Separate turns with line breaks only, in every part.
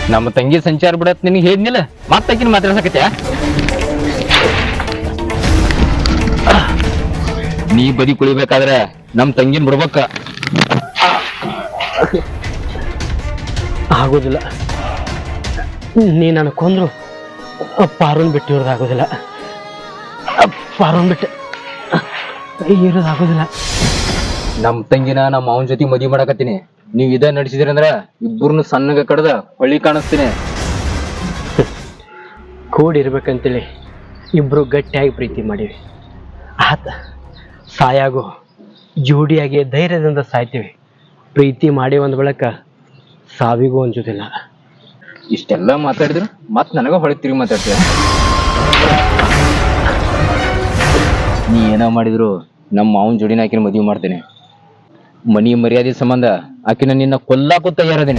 ನಮ್ಮ ತಂಗಿ ಸಂಚಾರ ಬಿಡತ್ ನಿನಗೆ ಹೇಳಿದ್ನಿಲ್ಲ ಮತ್ತಾಕಿನ ಮಾತಾಡ್ಸಕತ್ಯಾ ನೀ ಬದಿ ಕುಳಿಬೇಕಾದ್ರೆ ನಮ್ ತಂಗಿನ ಬಿಡ್ಬೇಕ
ಆಗೋದಿಲ್ಲ. ನೀ ನನ್ನ ಕೊಂದ್ರು ಪಾರುನ್ ಬಿಟ್ಟು ಇರೋದಾಗೋದಿಲ್ಲ. ಪಾರುನ್ ಬಿಟ್ಟು ಇರೋದಾಗೋದಿಲ್ಲ.
ನಮ್ ತಂಗಿನ ನಮ್ಮ ಅವನ ಜೊತೆ ಮದುವೆ ಮಾಡಕತ್ತೀನಿ. ನೀವ್ ಇದ ನಡೆಸಿದ್ರಿ ಅಂದ್ರ ಇಬ್ಬರನ್ನು ಸಣ್ಣಗ ಕಡ್ದ ಹೊಳ್ಳಿ ಕಾಣಿಸ್ತೀನಿ.
ಕೂಡಿರ್ಬೇಕಂತೇಳಿ ಇಬ್ರು ಗಟ್ಟಿಯಾಗಿ ಪ್ರೀತಿ ಮಾಡೀವಿ. ಆತ ಸಾಯಾಗೋ ಜೋಡಿಯಾಗಿ ಧೈರ್ಯದಿಂದ ಸಾಯ್ತೀವಿ. ಪ್ರೀತಿ ಮಾಡಿ ಒಂದ್ ಬಳಕ ಸಾವಿಗೂ ಅನ್ಸೋದಿಲ್ಲ.
ಇಷ್ಟೆಲ್ಲ ಮಾತಾಡಿದ್ರು ಮತ್ ನನಗ ಹೊಳಿ ತಿರುಗಿ ಮಾತಾಡ್ತೀಯ. ನೀ ಏನೋ ಮಾಡಿದ್ರು ನಮ್ಮ ಅವನ ಜೋಡಿನ ಆಕಿನ ಮದುವೆ ಮಾಡ್ತೇನೆ. ಮನಿ ಮರ್ಯಾದೆ ಸಂಬಂಧ ಆಕಿನ ನಿನ್ನ ಕೊಲ್ಲಾಕು ತಯಾರದೇನೆ.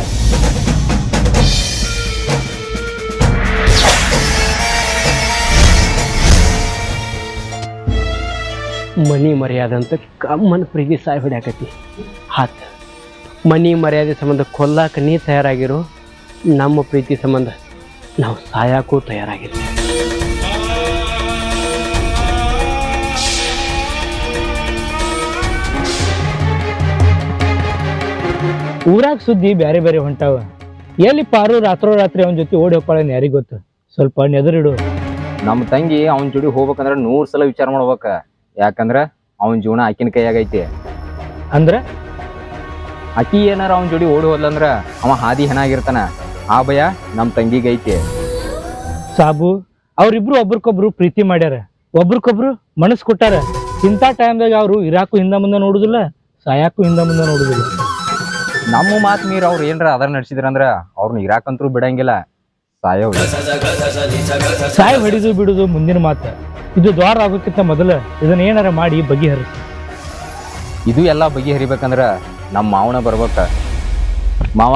ಮನಿ ಮರ್ಯಾದೆ ಅಂತ ಕಮ್ಮನ ಪ್ರೀತಿ ಸಾಯ್ ಹೊಡ್ಯಾಕತಿ. ಹಾತ್ ಮನಿ ಮರ್ಯಾದೆ ಸಂಬಂಧ ಕೊಲ್ಲಾಕ ನೀ ತಯಾರಾಗಿರು, ನಮ್ಮ ಪ್ರೀತಿ ಸಂಬಂಧ ನಾವು ಸಾಯಾಕೂ ತಯಾರಾಗಿರ್ತೀವಿ.
ಊರಾಗ ಸುದ್ದಿ ಬ್ಯಾರೆ ಬ್ಯಾರೆ ಹೊಂಟಾವ. ಎಲ್ಲಿ ಪಾರು ರಾತ್ರೋರಾತ್ರಿ ಅವನ ಜೊತೆ ಓಡಿ ಹೋಗ್ಕೊಳ್ಳೋನ್ ಯಾರಿಗ ಗೊತ್ತು. ಸ್ವಲ್ಪ ನೆದರಿಡು.
ನಮ್ಮ ತಂಗಿ ಅವನ ಜೋಡಿ ಹೋಗ್ಬೇಕಂದ್ರ 100 ಸಲ ವಿಚಾರ ಮಾಡ್ಬೇಕ. ಯಾಕಂದ್ರ ಅವನ ಜೀವನ ಆಕಿನ ಕೈಯಾಗೈತಿ.
ಅಂದ್ರ
ಆಕಿ ಏನಾರ ಅವನ ಜೋಡಿ ಓಡಿ ಹೋದ್ಲಂದ್ರ ಅವ ಹಾದಿ ಹೆಣಾಗಿರ್ತಾನ. ಆ ಭಯ ನಮ್ಮ ತಂಗಿಗೈತಿ.
ಸಾಬು ಅವ್ರಿಬ್ರು ಒಬ್ರಿಗೊಬ್ರು ಪ್ರೀತಿ ಮಾಡ್ಯಾರ, ಒಬ್ರಿಗೊಬ್ರು ಮನಸ್ಸು ಕೊಟ್ಟಾರ. ಇಂಥ ಟೈಮ್ದಾಗ ಅವರು ಇರಾಕು ಹಿಂದ ಮುಂದೆ ನೋಡುದಿಲ್ಲ, ಸಾಯಾಕು ಹಿಂದ ಮುಂದೆ ನೋಡುದಿಲ್ಲ.
ನಮ್ಮ ಮಾತು ಮೀರ್ ಅವ್ರು ಏನ್ರ ಅದರ ನಡೆಸಿದ್ರಂದ್ರ ಅವ್ರನ್ನ ಇರಾಕಂತ್ರು ಬಿಡಂಗಿಲ್ಲ. ಸಾಯೋ
ಸಾಯ್ ಹೊಡಿದು ಬಿಡುದು ಮುಂದಿನ ಮಾತು. ಇದು ದ್ವಾರ ಆಗೋಕ್ಕಿಂತ ಮೊದಲ ಇದನ್ನ ಏನಾರ ಮಾಡಿ ಬಗೆಹರಿಸಿ.
ಇದು ಎಲ್ಲ ಬಗೆಹರಿಬೇಕಂದ್ರ ನಮ್ಮ ಮಾವನ ಬರ್ಬೇಕ. ಮಾವ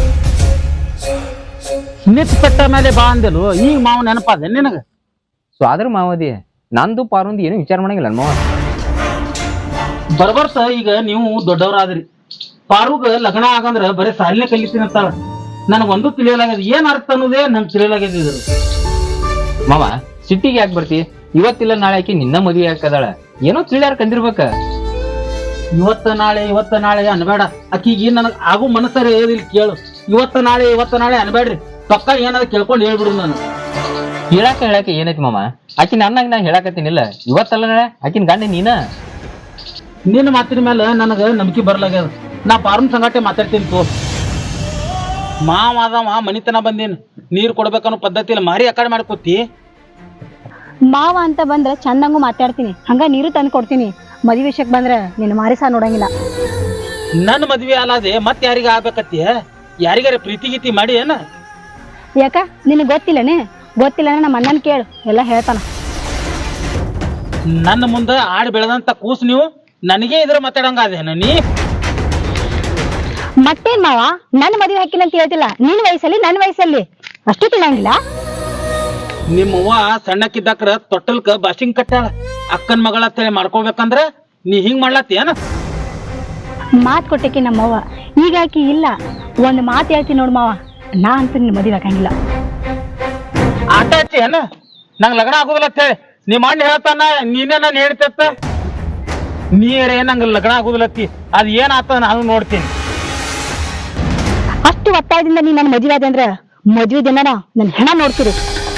ಪೆಟ್ಟ ಮೇಲೆ ಬಾ ಅಂದೆಲು, ಈಗ ಮಾವ ನೆನಪಾದ ನಿನಗ?
ಸ್ವಾದ್ರ ಮಾವದಿ ನಂದು ಪಾರುಂದು ಏನು ವಿಚಾರ ಮಾಡಂಗಿಲ್ಲ ಮಾವ.
ಬರ್ಬರ್ತ ಈಗ ನೀವು ದೊಡ್ಡವರಾದ್ರಿ. ಪಾರುಗ ಲಗ್ನ ಆಗಂದ್ರ ಬರೀ ಸಾಲಿನ ಕಲಿತೀನಿ ಅಂತಾಳ. ನನಗೊಂದು ತಿಳಿಯಲಾಗ್ಯದ, ಏನ್ ಅರ್ಥ ಅನ್ನೋದೇ ನಂಗೆ ತಿಳಿಯಲಾಗ್ಯದ. ಇದ್ರು
ಮಾವ ಸಿಟ್ಟಿಗೆ ಯಾಕೆ ಬರ್ತಿ? ಇವತ್ತಿಲ್ಲ ನಾಳೆ ಆಕಿ ನಿನ್ನ ಮದುವೆ ಹಾಕದಾಳ. ಏನೋ ತಿಳಿಯಾರ ಕಂದಿರ್ಬೇಕ.
ಇವತ್ತ ನಾಳೆ ಅನ್ಬೇಡ. ಆಕಿಗೆ ನನಗ್ ಆಗು ಮನಸ್ಸರ ಹೇಳದಿಲ್ಲ ಕೇಳು. ಇವತ್ತ ನಾಳೆ ಅನ್ಬೇಡ್ರಿ. ಪಕ್ಕ ಏನಾದ್ರು ಕೇಳ್ಕೊಂಡು ಹೇಳ್ಬಿಡು. ನಾನು
ಹೇಳಾಕ ಏನೈತಿ ಮಾಮ? ಆಕಿ ನನ್ನಾಗ ನಾ ಹೇಳಾಕತ್ತೀನಿಲ್ಲ. ಇವತ್ತಲ್ಲ ನಾಳೆ ಆಕಿನ ಗಂಡ ನೀನ.
ನಿನ್ನ ಮಾತಿನ ಮೇಲೆ ನನಗ ನಂಬಿಕೆ ಬರ್ಲಾಗ್ಯದ. ನಾ ಪಾರುನ್ ಸಂಗಾಟೆ ಮಾತಾಡ್ತೀನಿ ತೋ. ಮಾವ ಅದವ ಮನಿತನ ಬಂದೀನಿ, ನೀರ್ ಕೊಡ್ಬೇಕನ್ನೋ ಪದ್ಧತಿಯಲ್ಲಿ ಮಾರಿ ಆ ಕಡೆ ಮಾಡ್ಕೋತಿ.
ಮಾವ ಅಂತ ಬಂದ್ರ ಚಂದಂಗೂ ಮಾತಾಡ್ತೀನಿ, ಹಂಗ ನೀರು ತಂದು ಕೊಡ್ತೀನಿ. ಮದುವೆ ವಿಷಯಕ್ಕೆ ಬಂದ್ರ ನಿನ್ನ ಮಾರಿಸ ನೋಡಂಗಿಲ್ಲ.
ನನ್ನ ಮದ್ವೆ ಅಲ್ಲದೆ ಮತ್ ಯಾರಿಗ ಆಗ್ಬೇಕತ್ತಿ? ಯಾರಿಗಾರ ಪ್ರೀತಿ ಗೀತಿ ಮಾಡಿ ಏನ?
ಯಾಕ ನಿನಗೆ ಗೊತ್ತಿಲ್ಲನೇ? ಗೊತ್ತಿಲ್ಲ ನಮ್ಮ ಅಣ್ಣನ ಕೇಳು, ಎಲ್ಲ ಹೇಳ್ತಾನ.
ನನ್ನ ಮುಂದೆ ಆಡ್ ಬೆಳೆದಂತ ಕೂಸ್ ನೀವು ನನಗೆ ಇದ್ರ ಮಾತಾಡಂಗ ಅದೇನ ನೀ?
ಮತ್ತೇನ್ ಮಾವ, ನನ್ನ ಮದುವೆ ಹಾಕಿಲ್ಲ ಅಂತ ಹೇಳ್ತಿಲ್ಲ. ನಿನ್ನ ವಯಸ್ಸಲ್ಲಿ ನನ್ನ ವಯಸ್ಸಲ್ಲಿ ಅಷ್ಟು ತಿಳಂಗಿಲ್ಲ.
ನಿಮ್ಮವ್ವ ಸಣ್ಣಕ್ಕಿದ್ದಾಕ್ರ ತೊಟ್ಟಲ್ಕ ಬಾಸಿಂಗ್ ಕಟ್ಟಾಳ. ಅಕ್ಕನ್ ಮಗಳ ಅಂತೇಳಿ ಮಾಡ್ಕೊಳ್ಬೇಕಂದ್ರ ನೀ ಹಿಂಗ್ ಮಾಡ್ಲತ್ತಿ ಏನ?
ಮಾತು ಕೊಟ್ಟಕ್ಕೆ ನಮ್ಮವ್ವ ಈಗ ಆಕಿ ಇಲ್ಲ. ಒಂದು ಮಾತು ಹೇಳ್ತೀನಿ ನೋಡು ಮಾವ, ನಾ ಅಂತ ನಿನ್ನ ಮದುವೆ ಹಾಕಂಗಿಲ್ಲ.
ಆಟ ಹಚ್ಚಿ ಏನ ನಂಗ್ ಲಗ್ನ ಆಗುದಿಲ್ಲ ಅಂತ ಹೇಳಿ ನಿಮ್ಮ ಅಣ್ಣ ಹೇಳ್ತಾನ, ನೀನೇ ನಾನು ಹೇಳ್ತೇತ. ನೀರೇ ನಂಗೆ ಲಗ್ನ ಆಗುದಿಲ್ಲತ್ತಿ, ಅದ್ ಏನ್ ಆತ ನಾನು ನೋಡ್ತೀನಿ.
ಅಷ್ಟು ಒತ್ತಾಯದಿಂದ ನೀ ನನ್ನ ಮದುವೆ ಆದೆ ಅಂದ್ರ ಮದುವೆ ದಿನ ನನ್ನ ಹೆಣ ನೋಡ್ತಿರು.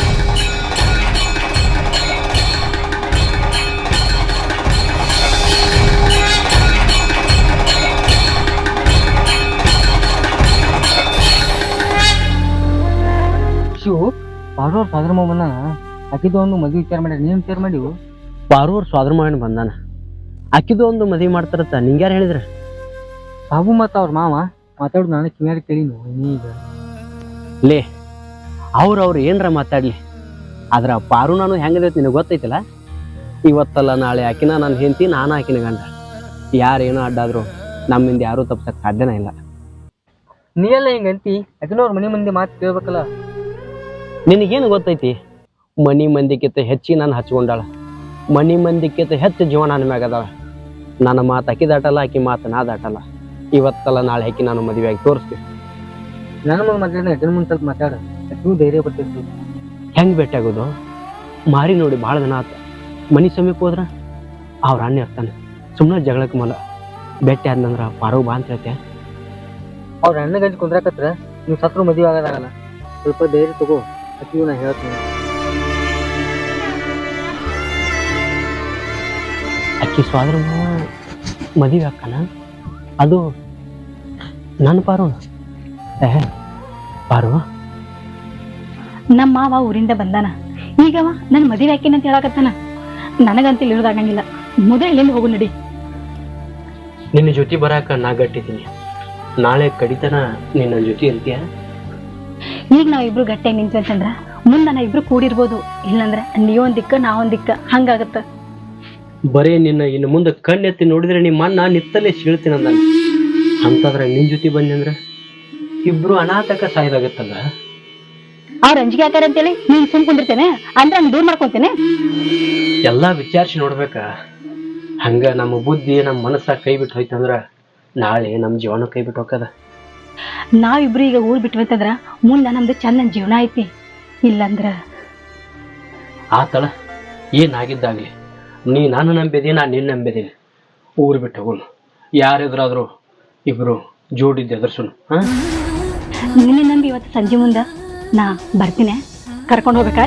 ಶಿವು ಪಾರೂರ್ ಸ್ವಾದ್ರ ಮಾವನ ಆಕಿದು ಒಂದು ಮದುವೆ ವಿಚಾರ ಮಾಡಿ ನೀನ್ ವಿಚಾರ ಮಾಡಿವು? ಪಾರೂರ್ ಸ್ವಾದ್ರ ಮಾವನ ಬಂದಾನ, ಆಕಿದು ಒಂದು ಮದುವೆ ಮಾಡ್ತಾರತ್ತ ನಿಂಗ್ಯಾರು ಹೇಳಿದ್ರ? ಸಾಬು ಮತ್ತ ಅವ್ರ ಮಾವ ಮಾತಾಡುದು ನಾನು ಕಿವಿಯಾಗ ಕೇಳಿನು. ಈಗ ಲೇ ಅವ್ರು ಏನರ ಮಾತಾಡ್ಲಿ, ಆದ್ರ ಪಾರು ನಾನು ಹೆಂಗದೈತಿ ನಿನಗೆ ಗೊತ್ತೈತಿಲ್ಲ. ಇವತ್ತಲ್ಲ ನಾಳೆ ಆಕಿನ ನಾನು ಹೆಂಡತಿ, ನಾನು ಆಕಿನ ಗಂಡ. ಯಾರೇನೋ ಅಡ್ಡಾದ್ರು ನಮ್ಮಿಂದ ಯಾರೂ ತಪ್ಸಕ್ ಸಾಧ್ಯನೇ ಇಲ್ಲ. ನೀ ಎಲ್ಲ ಹಿಂಗಂತಿ ಆಕಿನವ್ರ ಮನೆ ಮಂದಿ ಮಾತು ಕೇಳ್ಬೇಕಲ್ಲ. ನಿನಗೇನು ಗೊತ್ತೈತಿ? ಮನಿ ಮಂದಿಕ್ಕಿಂತ ಹೆಚ್ಚಿ ನಾನು ಹಚ್ಕೊಂಡಾಳ. ಮನಿ ಮಂದಿಕ್ಕಿಂತ ಹೆಚ್ಚು ಜೀವ ನನ್ನ ಮ್ಯಾಗ ಅದಾಳ. ನನ್ನ ಮಾತು ಆಕಿ ದಾಟಲ್ಲ, ಆಕಿ ಮಾತು ನಾ ದಾಟಲ್ಲ. ಇವತ್ತಲ್ಲ ನಾಳೆ ಆಕಿ ನಾನು ಮದುವೆಯಾಗಿ ತೋರಿಸ್ತೀವಿ. ನನ್ನ ಮುಂದೆ ಮಾತಾಡಿದ ಅಜ್ಜನ ಮುಂದೆ ಸ್ವಲ್ಪ ಮಾತಾಡ ಅಷ್ಟು ಧೈರ್ಯ ಬರ್ತೈತಿ.
ಹೆಂಗೆ ಭೇಟಿ ಆಗೋದು? ಮಾರಿ ನೋಡಿ ಭಾಳ ದಿನ ಆತ. ಮನೆ ಸಮೀಪ ಹೋದ್ರ ಅವ್ರ ಅಣ್ಣ ಇರ್ತಾನೆ. ಸುಮ್ಮನೆ ಜಗಳಕ್ಕೆ ಮಲ ಭೇಟಿ ಆದ್ನಂದ್ರ ಪಾರೋ ಬಾ ಅಂತ ಹೇಳ್ತೆ.
ಅವ್ರ ಅಣ್ಣ ಗಂಜಿ ಕುಂದ್ರಾಕತ್ರ ನೀವು ಸತ್ರು ಮದುವೆ ಆಗೋದಾಗಲ್ಲ. ಸ್ವಲ್ಪ ಧೈರ್ಯ ತಗೋ, ಅಕ್ಕಿಗೂ ನಾ ಹೇಳ್ತೀನಿ.
ಅಕ್ಕಿ ಸ್ವಾದ್ರ ಮದುವೆ ಅಕ್ಕನ ಅದು ನನ್ನ ಪಾರು. ಪಾರು
ನಮ್ಮ ಮಾವ ಊರಿಂದ ಬಂದಾನ. ಈಗವ ನನ್ ಮದುವೆ ಹಾಕಿನ ಅಂತ ಹೇಳಕತ್ತಾನ. ನನಗಂತ ಇಳಿಯೋದಾಗಂಗಿಲ್ಲ. ಮೊದಲು ಇಲ್ಲಿಂದ ಹೋಗು ನಡಿ.
ನಿನ್ನ ಜೊತೆ ಬರಾಕ ನಾ ಗಟ್ಟಿದ್ದೀನಿ. ನಾಳೆ ಕಡಿತನ ನೀನ್ ನನ್ನ ಜೊತೆ ಇರ್ತೀಯ?
ಈಗ ನಾವಿಬ್ರು ಗಟ್ಟಿಯಾಗಿ ನಿಂತ್ವಂತಂದ್ರ ಮುಂದೆ ನಾ ಇಬ್ರು ಕೂಡಿರ್ಬೋದು. ಇಲ್ಲಂದ್ರ ನೀವೊಂದ್ ದಿಕ್ಕ ನಾವೊಂದ್ ದಿಕ್ಕ ಹಂಗಾಗತ್ತ.
ಬರೇ ನಿನ್ನ ಇನ್ನು ಮುಂದೆ ಕಣ್ಣೆತ್ತಿ ನೋಡಿದ್ರೆ ನಿಮ್ಮ ಅಣ್ಣ ನಿತ್ತಲ್ಲೇ ಸೀಳ್ತೀನಿ ಅಂದ. ಅಂತಂದ್ರ ನಿನ್ ಜೊತೆ ಬಂದೆ ಅಂದ್ರ ಇಬ್ರು ಅನಾಥಕ ಸಾಯ್ದಾಗತ್ತಲ್ಲ.
ಅವ್ರ ಅಂಜಿಕೆ ಹಾಕಾರ ಅಂತೇಳಿ ನೀನ್ ಸುಮ್ ಕುಂದಿರ್ತೇನೆ ಅಂದ್ರೆ ಹಂಗ್ ದೂರ ಮಾಡ್ಕೊಂತೇನೆ.
ಎಲ್ಲಾ ವಿಚಾರಿಸಿ ನೋಡ್ಬೇಕ. ಹಂಗ ನಮ್ಮ ಬುದ್ಧಿ ನಮ್ಮ ಮನಸ್ಸ ಕೈ ಬಿಟ್ಟು ಹೋಯ್ತಂದ್ರ ನಾಳೆ ನಮ್ಮ ಜೀವನ ಕೈ ಬಿಟ್ಟು ಹೋಗದ.
ನಾವಿಬ್ರು ಈಗ ಊರ್ ಬಿಟ್ವಂತಂದ್ರ ಮುಂದೆ ನಮ್ದು ಚಂದನ್ ಜೀವನ ಐತಿ. ಇಲ್ಲಂದ್ರ
ಆತಳ ಏನಾಗಿದ್ದಾಗ್ಲಿ ನೀ ನಾನು ನಂಬಿದೀನಿ, ನಾನು ನಿನ್ನ ನಂಬಿದೀನಿ. ಊರು ಬಿಟ್ಟು ಹೋಗೋಣ. ಯಾರೆದುರಾದ್ರು ಇಬ್ರು ಜೋಡಿದ್ದು ಎದುರ್ಸೋಣ.
ನಿನ್ನೆ ನಂಬಿ ಇವತ್ತು ಸಂಜೆ ಮುಂದ ನಾ ಬರ್ತೀನಿ. ಕರ್ಕೊಂಡು ಹೋಗ್ಬೇಕಾ?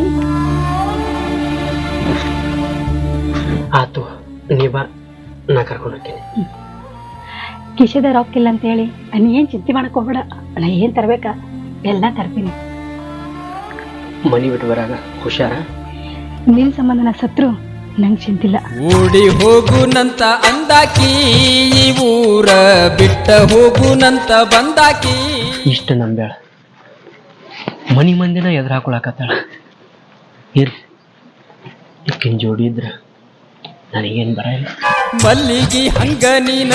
ಆತು, ನೀ ಬಾ, ನಾ ಕರ್ಕೊಂಡು ಹೋಗ್ತೀನಿ.
ಕಿಶೆದ ರೊಕ್ಕ ಇಲ್ಲ ಅಂತ ಹೇಳಿ ನೀ ಏನ್ ಚಿಂತೆ ಮಾಡಕ್ ಹೋಗ್ಬೇಡ. ನಾ ಏನ್ ತರ್ಬೇಕಾ ಎಲ್ಲ ತರ್ತೀನಿ.
ಮನಿ ಬಿಟ್ಟು ಬರಾಗ ಹುಷಾರ.
ನಿನ್ ಸಂಬಂಧ ನಾ ಸತ್ರು ನಂಗೆ ಚಿಂತಿಲ್ಲ.
ಓಡಿ ಹೋಗುನಂತ ಅಂದಾಕಿ ಊರ ಬಿಟ್ಟ ಹೋಗುನಂತ ಬಂದಾಕಿ.
ಇಷ್ಟ ನಂಬ್ಯಾಳ ಮನಿ ಮಂದಿನ ಎದುರು ಹಾಕೊಳಕತ್ತಾಳ. ಇರ್ಲಿ, ಇಕ್ಕಿನ ಜೋಡಿ ಇದ್ರ ನನಗೇನ್ ಬರಲ್ಲ.
ಮಲ್ಲಿಗಿ ಹಂಗ ನೀನ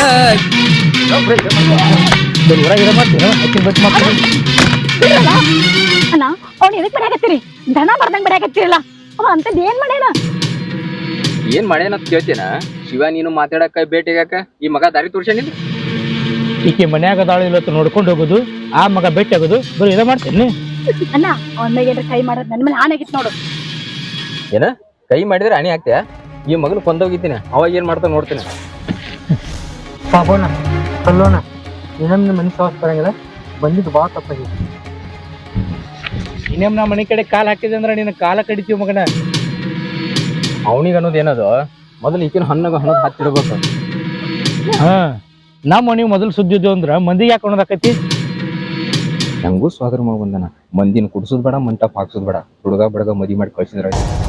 ಅಣ್ಣ ಅವ್ನು ಎದಕ್ ಬರಾಕತ್ತೀರಿ? ದನ ಬರ್ದಂಗ್ ಬರಾಕತ್ತೀರಲ್ಲ. ಅವ ಅಂತದ್ ಏನ್ ಮಾಡ್ಯಾನ?
ಏನ್ ಮಾಡ್ಯಾನ ಅಂತ ಕೇಳ್ತೇನ? ಶಿವ ನೀನು ಮಾತಾಡಕ ಭೇಟಿಗಾಕ ಈ ಮಗ ದಾರಿ ತೋರ್ಸೇನಿಲ್ಲ.
ಈಕೆ ಮನ್ಯಾಗ ಅದಾಳು ಇವತ್ತು ನೋಡ್ಕೊಂಡು ಹೋಗೋದು, ಆ ಮಗ ಭೇಟಿ ಆಗೋದು, ಬರೀ ಇದ ಮಾಡ್ತೇನೆ.
ಅಣ್ಣ ಅವನ ಮೇಲೆ ಕೈ ಮಾಡೋದ್ ನನ್ ಮೇಲೆ ಆನಾಗಿತ್ತು ನೋಡು.
ಏನ ಕೈ ಮಾಡಿದ್ರೆ ಅಣಿ ಆಗ್ತೀಯ? ಈ ಮಗನ ಕೊಂದೋಗಿದ್ದೀನಿ, ಅವಾಗ ಏನ್ ಮಾಡ್ತಾ ನೋಡ್ತೇನೆ.
ಪಾಪೋಣ ಕಲ್ಲೋಣ ಇನ್ನೊಮ್ಮೆ ಮನೆ ಸಾವಸ್ ಬರಂಗಿಲ್ಲ. ಬಂದಿದ್ದು ಭಾಳ ತಪ್ಪಾಗಿತ್ತು.
ಇನ್ನೇಮ್ ನಾ ಮನೆ ಕಡೆ ಕಾಲ್ ಹಾಕಿದೆ ಅಂದ್ರೆ ನಿನ್ನ ಕಾಲ ಕಡಿತೀವಿ ಮಗನ.
ಅವನಿಗೆ ಅನ್ನೋದು ಏನದು, ಮೊದಲು ಈಕಿನ ಹಣ್ಣಗ ಹಣ್ಣದ್ ಹತ್ತಿಡ್ಬೇಕು.
ಹಾ, ನಮ್ಮ ಮನೆ ಮೊದಲು ಸುದ್ದಿದ್ದು ಅಂದ್ರ ಮಂದಿಗೆ ಯಾಕೆ ಅನ್ನೋದಾಕೈತಿ?
ನಂಗೂ ಸ್ವಾಗತ ಮಗ ಬಂದನ. ಮಂದಿನ ಕುಡ್ಸೋದ್ ಬೇಡ, ಮಂಟಪ್ ಹಾಕ್ಸೋದ್ ಬೇಡ, ಹುಡುಗ ಬಡಗ ಮದಿ ಮಾಡಿ ಕಳ್ಸಿದ್ರ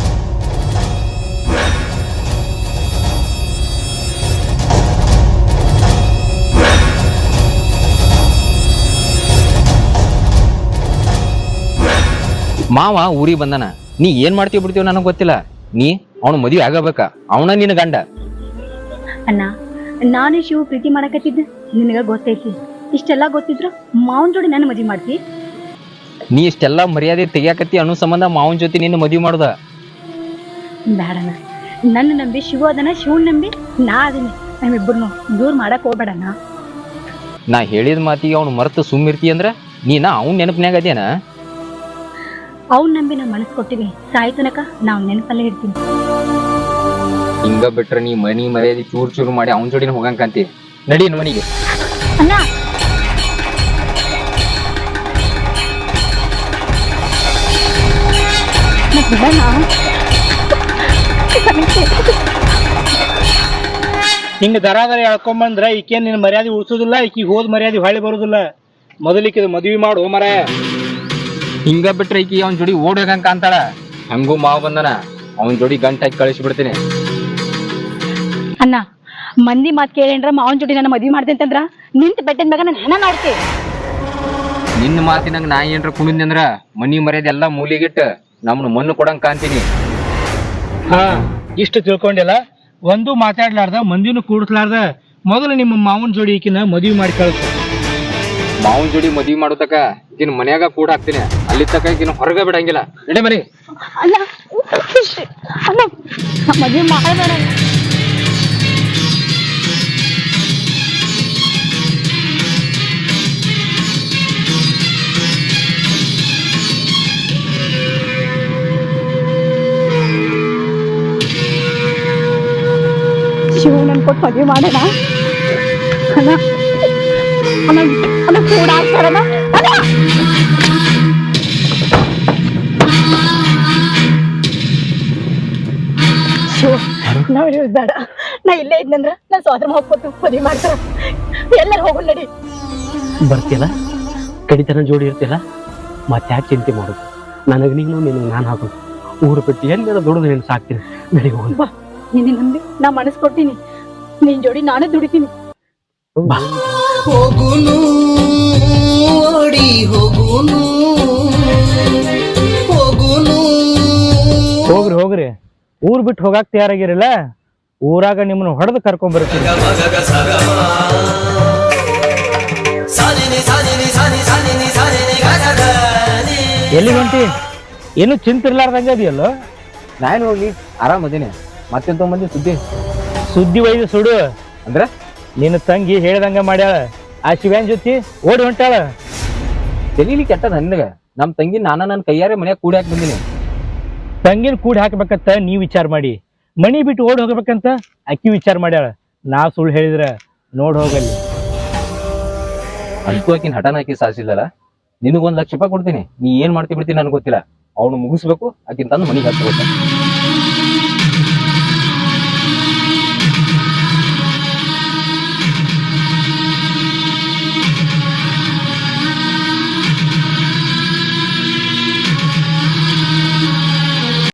ಮಾವ ಊರಿಗೆ ಬಂದನ. ನೀ ಏನ್ ಮಾಡ್ತೀವಿ ಬಿಡ್ತೀವಿ ನನಗೆ ಗೊತ್ತಿಲ್ಲ. ನೀ ಅವನು ಮದುವೆ ಆಗಬೇಕ, ಅವನ ನಿನ್ನ ಗಂಡ.
ಅಣ್ಣ ನಾನು ಶಿವ ಪ್ರೀತಿ ಮಾಡಕತ್ತಿದ್ದೆ ನಿನಗ ಗೊತ್ತೈತಿ. ಇಷ್ಟೆಲ್ಲಾ ಗೊತ್ತಿದ್ರು ಮಾವನ್ ಜೋಡಿ ನನ್ನ ಮದ್ವಿ ಮಾಡ್ತಿ?
ನೀ ಇಷ್ಟೆಲ್ಲಾ ಮರ್ಯಾದೆ ತೆಗಿಯಾಕತ್ತಿ ಅನ್ನೋ ಸಂಬಂಧ ಮಾವನ ಜೊತೆ ನಿನ್ನ ಮದುವೆ ಮಾಡುದ?
ಬೇಡಣ್ಣ, ನನ್ನ ನಂಬಿ ಶಿವ ಅದನ್ನ, ಶಿವನ್ ನಂಬಿ ನಾ ಅದೀನಿ. ನಮ್ಮಿಬ್ಬರನ್ನು ದೂರ ಮಾಡಕ್ ಹೋಗ್ಬೇಡಣ್ಣ.
ನಾ ಹೇಳಿದ ಮಾತಿಗೆ ಅವ್ನು ಮರೆತು ಸುಮ್ಮಿರ್ತಿ ಅಂದ್ರ ನೀನ ಅವ್ನ ನೆನಪಿನ್ಯಾಗ ಅದೇನ?
ಅವ್ನ್ ನಂಬಿ ನಾ ಮನಸ್ ಕೊಟ್ಟಿವಿ. ಸಾಯಿ ತನಕ ನಾವ್ ನೆನಪಲ್ಲೇ ಇರ್ತೀನಿ.
ಹಿಂಗ ಬಿಟ್ರ ನೀ ಮನಿ ಮರ್ಯಾದೆ ಚೂರ್ ಚೂರು ಮಾಡಿ ಅವನ ಜೋಡಿನ ಹೋಗಂಕಂತಿ. ನಡಿ ಮನಿಗೆ.
ಅಣ್ಣ
ಹಿಂಗ ದರ ಎಳ್ಕೊಂಬಂದ್ರ ಈಕೇನ್ ನಿನ್ನ ಮರ್ಯಾದೆ ಉಳಿಸೋದಿಲ್ಲ, ಈಕಿಗೆ ಹೋದ್ ಮರ್ಯಾದೆ ಹೊಳ್ಳಿ ಬರೋದಿಲ್ಲ. ಮೊದಲಿಕ್ಕೆ ಮದ್ವಿ ಮಾಡು ಮರ.
ಹಿಂಗ ಬಿಟ್ರ ಈಕಿ ಅವನ ಜೋಡಿ ಓಡೋಗಂಕ ಅಂತಾಳ. ಹಂಗೂ ಮಾವ ಬಂದನ, ಅವನ ಜೋಡಿ ಗಂಟಾಗಿ ಕಳಿಸಿ ಬಿಡ್ತೀನಿ.
ಅಣ್ಣ ಮಂದಿ ಮಾತ್ ಕೇಳೇನ್ರ ಮಾವನ್ ಜೋಡಿ ನನ್ನ ಮದ್ವಿ ಮಾಡ್ದೆ ಅಂತಂದ್ರ ನಿಂತ ಬೆಟ್ಟದ ಮ್ಯಾಗ ನಾನು ಹೆಣ ನೋಡ್ತಿ.
ನಿನ್ನ ಮಾತಿನಂಗ ನಾ ಏನ್ರ ಕುಣಿದ್ನಿ ಅಂದ್ರ ಮನಿ ಮರ್ಯಾದೆ ಎಲ್ಲಾ ಮೂಲಿಗಿಟ್ಟ ನಮ್ನ ಮಣ್ಣು ಕೊಡಂಕ ಅಂತೀನಿ.
ಹಾ, ಇಷ್ಟು ತಿಳ್ಕೊಂಡಿಲ್ಲ. ಒಂದು ಮಾತಾಡ್ಲಾರ್ದ ಮಂದಿನೂ ಕೂಡಿಸ್ಲಾರ್ದ ಮೊದಲು ನಿಮ್ಮ ಮಾವನ್ ಜೋಡಿ ಈಕಿನ ಮದ್ವಿ ಮಾಡಿ ಕಳ್ಸು.
ಮಾವನ್ ಜೋಡಿ ಮದ್ವಿ ಮಾಡೋತಕ ಈಕಿನ ಮನ್ಯಾಗ ಕೂಡ ಹಾಕ್ತೀನಿ. ಅಲ್ಲಿ ತಕ ಈಕಿನ ಹೊರಗ ಬಿಡಂಗಿಲ್ಲ. ನಡಿ ಮನಿ.
ಅಣ್ಣ ಅಣ್ಣ ಮದ್ವಿ ಮಾಡಬೇಡ. ಕೊಟ್ಟು ಮದುವೆ ಮಾಡೋಣ ಅಣ್ಣ ಅಣ್ಣ ಅಣ್ಣ ಕೂಡ ಆಗ್ತಾರಣ್ಣ ಅಣ್ಣ ನಾವ್ ಹೇಳುದ್ ಬೇಡ ನಾ ಇಲ್ಲೇ ಇದ್ನಂದ್ರ ನಾ ಸ್ವಾತಂತ್ರ್ಯ ಹೋಗ್ಕೊತು ಮದುವೆ ಮಾಡ್ತಾರ ಎಲ್ಲರೂ ಹೋಗೋಣ ನಡಿ
ಬರ್ತಿಯಲ್ಲ ಕಡಿತನ ಜೋಡಿ ಇರ್ತಿಯಲ್ಲ ಮತ್ತೆ ಯಾಕೆ ಚಿಂತೆ ಮಾಡೋದು ನನಗೆ ನೀನು ನಿನಗೆ ನಾನು ಹಾಕೋದು ಊರು ಬಿಟ್ಟು ಎಲ್ಲರ ದುಡಿದು ನೀನು ಸಾಕ್ತೀನಿ ನಡಿ ಹೋಗೋಣ
ಬಾ ನಿನ್ನೆ ನಂಬಿ ನಾ ಮನಸ್ಸು ಕೊಡ್ತೀನಿ ನಿನ್ ಜೋಡಿ ನಾನೇ ದುಡಿತೀನಿ
ಬಾ
ಹೋಗುನು ಓಡಿ ಹೋಗುನು ಹೋಗುನು
ಹೋಗ್ರಿ ಹೋಗ್ರಿ ಊರ್ ಬಿಟ್ಟು ಹೋಗಾಕ್ ತಯಾರಾಗಿರಲ್ಲ ಊರಾಗ ನಿಮ್ಮನ್ನ ಹೊಡೆದು ಕರ್ಕೊಂಡ್ ಬರ್ತೀವಿ ಎಲ್ಲಿ ಹೊಂಟಿ ಏನು ಚಿಂತಿರ್ಲಾರ್ದಂಗ ಅದೆಯಲ್ಲೋ
ನಾನು ಹೋಗಿ ಆರಾಮದೇನೆ ಮತ್ತೆಂತ ಮಂದಿ
ಸುದ್ದಿ ಒಯ್ದು ಸುಡು
ಅಂದ್ರ
ನಿನ್ನ ತಂಗಿ ಹೇಳ್ದಂಗ ಮಾಡ್ಯಾಳ ಆ ಶಿವ್ಯಾನ್ ಜೊತೆ ಓಡಿ ಹೊಂಟಾಳ
ತೆಲೀಲಿ ಕೆಟ್ಟದ ನನಗ ನಮ್ ತಂಗಿ ನನ್ನ ಕೈಯಾರೆ ಮನ್ಯಾಗ ಕೂಡಿ ಹಾಕಿ ಬಂದಿನಿ
ತಂಗಿನ ಕೂಡಿ ಹಾಕ್ಬೇಕಂತ ನೀವ್ ವಿಚಾರ ಮಾಡಿ ಮನಿ ಬಿಟ್ಟು ಓಡಿ ಹೋಗ್ಬೇಕಂತ ಅಕ್ಕಿ ವಿಚಾರ ಮಾಡ್ಯಾಳ ನಾ ಸುಳ್ಳು ಹೇಳಿದ್ರ ನೋಡ್ ಹೋಗಲ್ಲಿ
ಅಂತೂ ಆಕಿನ ಹಠನ ಹಾಕಿ ಸಾಧಿಸಿಲ್ಲಲ್ಲ ನಿನಗೊಂದ್ 1,00,000 ರೂಪಾಯಿ ಕೊಡ್ತೀನಿ ನೀ ಏನ್ ಮಾಡ್ತಿ ಬಿಡ್ತೀನಿ ನನ್ಗೆ ಗೊತ್ತಿಲ್ಲ ಅವ್ನು ಮುಗಿಸ್ಬೇಕು ಆಕಿನ ತಂದು ಮನಿಗೆ ಹಚ್ಬೇಕು